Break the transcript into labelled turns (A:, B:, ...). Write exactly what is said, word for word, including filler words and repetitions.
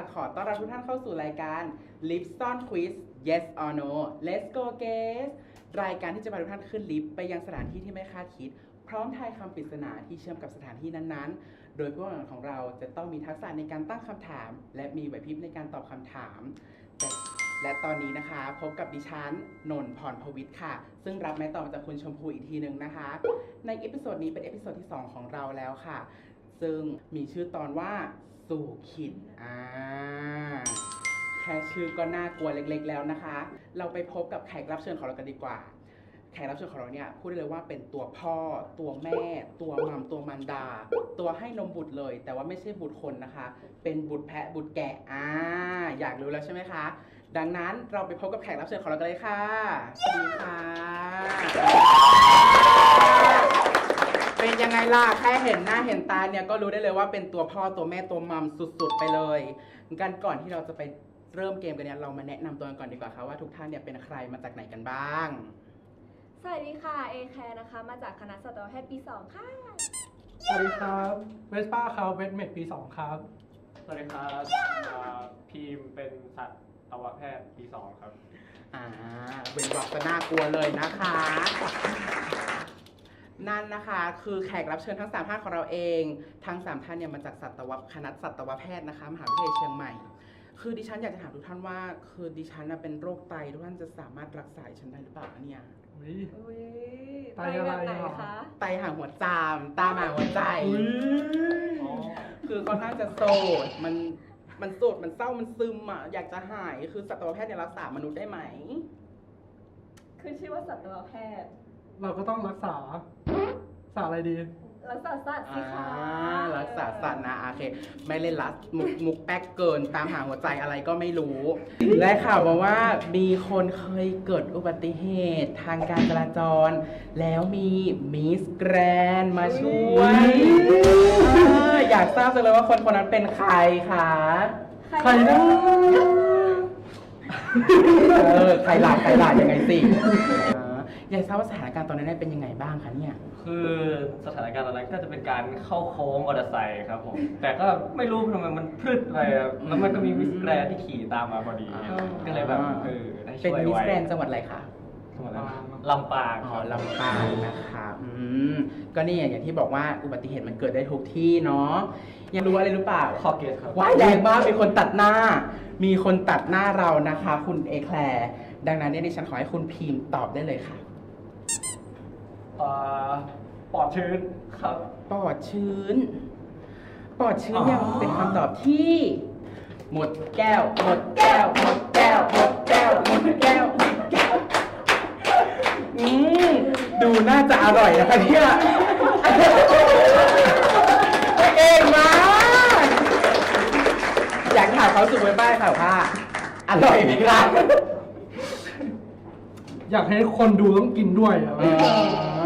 A: ขอต้อนรับทุกท่านเข้าสู่รายการ Lipson Quiz Yes or No Let's go guess รายการที่จะพาทุกท่านขึ้นลิฟต์ไปยังสถานที่ที่ไม่คาดคิดพร้อมทายคำปริศนาที่เชื่อมกับสถานที่นั้นๆโดยผู้แข่งขันของเราจะต้องมีทักษะในการตั้งคำถามและมีไหวพริบในการตอบคำถามแต่และตอนนี้นะคะพบกับดิฉันนนท์พรพวิทย์ค่ะซึ่งรับไม้ต่อมาจากคุณชมพูอีกทีหนึ่งนะคะในเอพิโซดนี้เป็นเอพิโซดที่สองของเราแล้วค่ะซึ่งมีชื่อตอนว่าสู่ขิดอ่าแค่ชื่อก็น่ากลัวเล็กๆแล้วนะคะเราไปพบกับแขกรับเชิญของเรากันดีกว่าแขกรับเชิญของเราเนี่ยพูดได้เลยว่าเป็นตัวพ่อตัวแม่ตัวมัมตัวมันดาตัวให้นมบุตรเลยแต่ว่าไม่ใช่บุตรคนนะคะเป็นบุตรแพะบุตรแกะอ่าอยากรู้แล้วใช่ไหมคะดังนั้นเราไปพบกับแขกรับเชิญของเรากันเลยค่ะสวัสดีค่ะเป็นยังไงล่ะแค่เห็นหน้าเห็นตาเนี่ยก็รู้ได้เลยว่าเป็นตัวพ่อตัวแม่ตัวมัมสุดๆไปเลยกันก่อนที่เราจะไปเริ่มเกมกันเนี่ยเรามาแนะนำตัวกันก่อนดีกว่าค่ะว่าทุกท่านเนี่ยเป็นใครมาจากไหนกันบ้าง
B: สวัสดีค่ะเอแคร์นะคะมาจากคณะสัตวแพทย์ปีสองค่ะ
C: สวัสดีครับเวสป้าครับเวสเมดปีสองครับ
D: สวัสดีครับพีมเป็นสัตวแพทย์ปีสองครับ
A: อ่าเป็นวักจะน่ากลัวเลยนะคะนั่นนะคะคือแขกรับเชิญทั้งสามท่านของเราเองทั้งสามท่านเนี่ยมาจากสัตวคณะสัตวแพทย์นะคะมหาวิทยาลัยเชียงใหม่คือดิฉันอยากจะถามทุกท่านว่าคือดิฉันเป็นโรคไตทุกท่านจะสามารถรักษาฉันได้หรือเปล่าเนี่ย
B: ไตแบบไหนคะ
A: ไตห่างหัวจามตาหมาหัวใจคือค่อนข้างจะโสดมันมันโสดมันเศร้ามันซึมอ่ะอยากจะหายคือสัตวแพทย์เนี่ยรักษามนุษย์ได้ไหม
B: คือชื่อว่าสัตวแพทย์
C: เราก็ต้องรักษารักษาอะไรดี
B: รักษาสัตว์สิคะ
A: รักษาสัตว์นะโอเคไม่เล่นลัสมุกมุกแป๊กเกินตามหาหัวใจอะไรก็ไม่รู้และข่าวมาว่ามีคนเคยเกิดอุบัติเหตุทางการจราจรแล้วมีมิสแกรนมาช่วยอยากทราบจังเลยว่าคนคนนั้นเป็นใครคะ
C: ใครนะ
A: เออใครหลาใครหลายังไงสิอยากทราบว่าสถานการณ์ตอนนั้นเป็นยังไงบ้างคะเนี่ย
D: คือสถานการณ์ตอนนั้นก็จะเป็นการเข้าโค้งมอเตอร์ไซค์ครับผมแต่ก็ไม่รู้ทำไมมันพลึดไปแล้วมันก็มีมิสแกรนที่ขี่ตามมาพอดีก็เลยแบบเออได้ช่วยไว้
A: เป็นมิสแกรนจังหวัดอะไรคะ
D: ลำปาง
A: อ๋อลำปางนะคะอืมก็นี่อย่างที่บอกว่าอุบัติเหตุมันเกิดได้ทุกที่เนาะยังรู้อะไรหรือเปล่า
D: คอเกตครับ
A: ว้ายแรงมากมีคนตัดหน้ามีคนตัดหน้าเรานะคะคุณเอแคลร์ดังนั้นเนี่ยดิฉันขอให้คุณพิมพ์ตอบได้เลยค่ะ
D: ปอดชื้นครับ
A: ปอดชื้นปอดชื้นเนี่ยเป็นคำตอบที่หมดแก้วหมดแก้วหมดแก้วหมดแก้วหมดแก้วหมดแก้วอืมดูน่าจะอร่อยนะคะเนี่ยเก่งมากอยากถามเขาสุกไว้บ้างค่ะว่าอร่อยไหมครับ
C: อยากให้คนดูต้องกินด้วยอ่ะ